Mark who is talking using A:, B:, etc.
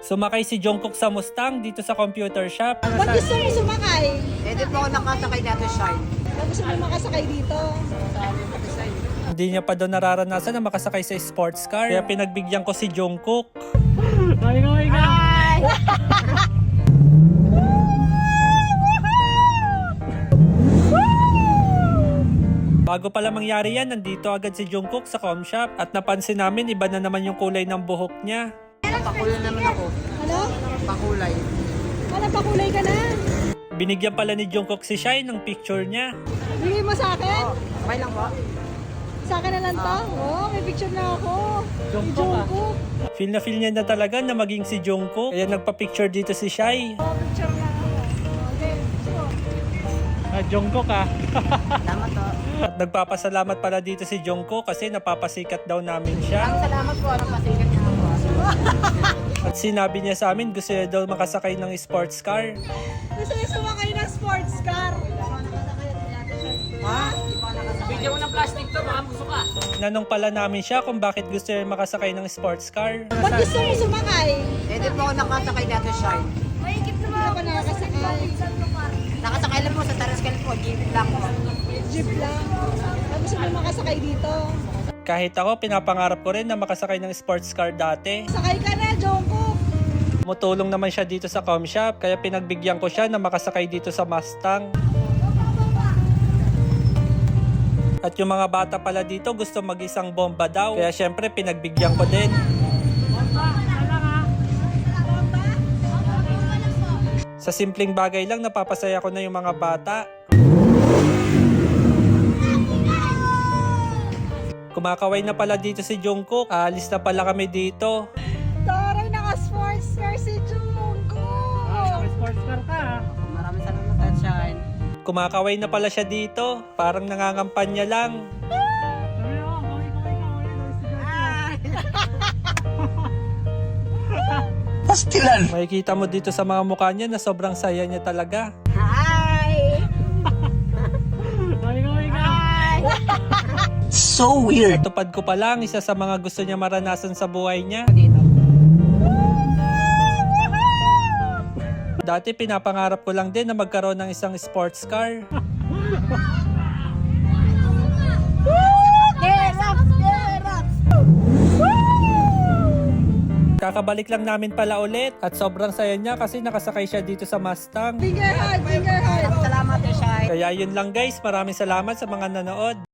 A: Sumakay si Jungkook sa Mustang dito sa computer shop.
B: Ba't gusto mo sumakay?
C: Di po ako nakasakay natin siya.
B: Gusto mo makasakay dito?
A: Hindi niya pa daw nararanasan na makasakay sa sports car. Kaya pinagbigyan ko si Jungkook. Bago pala mangyari yan, nandito agad si Jungkook sa com shop at napansin namin iba na naman yung kulay ng buhok niya.
C: Pakulay naman ako.
B: Ano?
C: Pakulay.
B: Wala pa kulay ka na.
A: Binigyan pala ni Jungkook si Shai ng picture niya.
B: Bigay mo sa akin?
C: Okay lang po.
B: Sa akin na lang to? Oo, may picture na ako. Jungkook.
A: Feel niya na talaga na maging si Jungkook. Kaya nagpa-picture dito si Shai.
B: Picture na ako. Okay.
A: Jungkook ah.
C: Salamat po.
A: At nagpapasalamat pala dito si Jungkook kasi napapasikat daw namin siya.
C: Salamat po. Napasikat niya ako.
A: At sinabi niya sa amin gusto niya daw makasakay ng sports car.
B: Gusto niya sumakay ng sports car.
C: Ha?
D: Bigyan mo ng plastic to, baka gusto ka.
A: Nanong pala namin siya kung bakit gusto niya makasakay ng sports car.
B: Ba't gusto mo sumakay?
C: Di po ako nakasakay natin siya.
B: Hindi ako nakakasakay.
C: Nakasakay lang po sa Tarascal po. Jeep lang po.
B: Jeep lang. Gusto mo makasakay dito?
A: Kahit ako, pinapangarap ko rin na makasakay ng sports car dati.
B: Sakay ka na, Jungkook.
A: Tumutulong naman siya dito sa com shop, kaya pinagbigyan ko siya na makasakay dito sa Mustang. At yung mga bata pala dito gusto mag-isang bomba daw, kaya syempre pinagbigyan ko din. Sa simpleng bagay lang, napapasaya ko na yung mga bata. Kumakaway na pala dito si Jungkook. Aalis na pala kami dito.
B: Taray, naka-sports car si Jungkook.
A: Sports car ka.
C: Maraming salamat at shine.
A: Kumakaway na pala siya dito. Parang nangangampanya lang.
C: Pastilan!
A: Makikita mo dito sa mga mukha niya na sobrang saya niya talaga.
B: Hi!
C: So weird!
A: Tupad ko pa lang, isa sa mga gusto niya maranasan sa buhay niya. Dati pinapangarap ko lang din na magkaroon ng isang sports car. Kakabalik lang namin pala ulit at sobrang saya niya kasi nakasakay siya dito sa Mustang.
B: Finger hug, finger hug.
C: Salamat at shine.
A: Kaya yun lang guys, maraming salamat sa mga nanood.